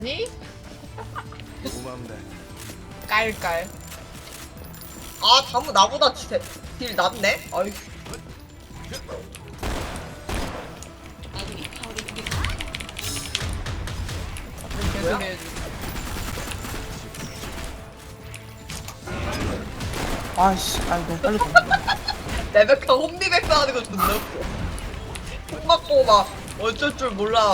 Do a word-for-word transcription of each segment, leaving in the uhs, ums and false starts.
니? 고만데. 깔깔. 아, 다무 나보다 딜, 딜 낫네? 아이. 개소리 해줘. 아이씨, 아이 너무 빨리 던져. 레베카 홈리백스 하는 거 존나 웃겨. 총 맞고 막 어쩔 줄 몰라.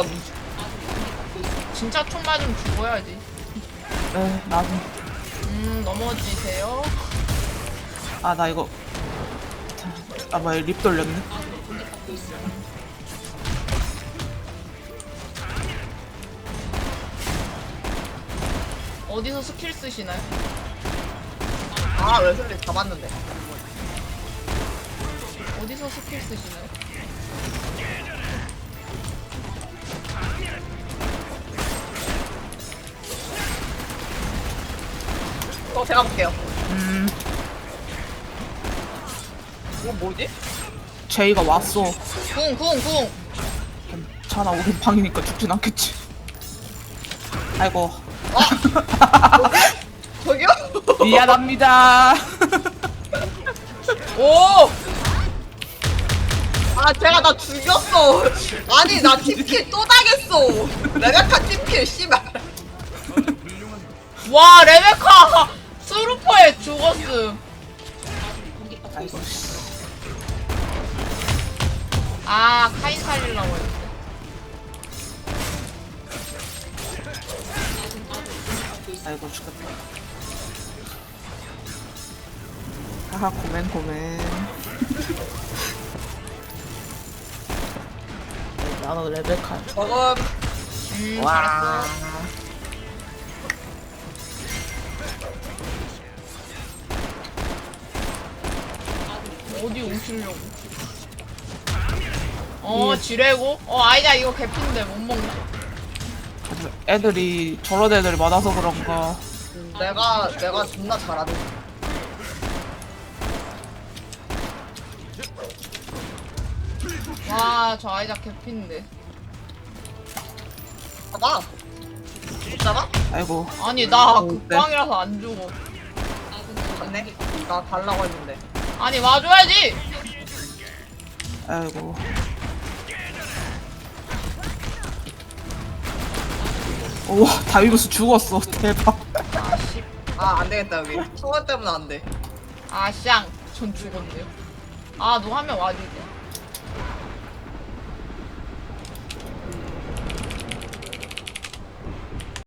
진짜 총 맞으면 죽어야지. 에, 나도. 음, 넘어지세요. 아, 나 이거. 아, 뭐야, 립 돌렸네. 어디서 스킬 쓰시나요? 아, 웨슬리 잡았는데. 어디서 스킬 쓰시나요? 어, 제가 볼게요. 음, 이거 뭐지? 제이가 왔어. 궁, 궁, 궁. 괜찮아, 우린 방이니까 죽진 않겠지. 아이고. 저기요? 미안합니다. 오! 아, 제가 나 죽였어. 아니, 나 팀킬 또 당했어. 레베카 팀킬, 씨발. 와, 레베카! 스루퍼에 죽었음. 아이고, 씨. 아, 카인 살리려고 했는데. 아이고, 죽겠다. 하하, 고멘, 고멘. 나도 레베카. 저건, 음, 와. 잘했어. 어디 오시려고. 어, 지뢰고? 어, 아니다, 이거 개핀데 못 먹나? 애들이, 저런 애들이 많아서 그런가. 내가, 내가 존나 잘하는. 와, 저 아이작 개핀데. 봐봐. 못 잡아? 아이고. 아니, 나 어, 극방이라서 안 죽어. 맞네? 나 달라고 했는데. 아니, 와줘야지! 아이고. 우와, 다이브스 죽었어. 대박. 아, 씨. 아, 안 되겠다, 여기. 성원 때문에 안 돼. 아, 쌍. 전 죽었네요. 아, 너 한 명 와주지.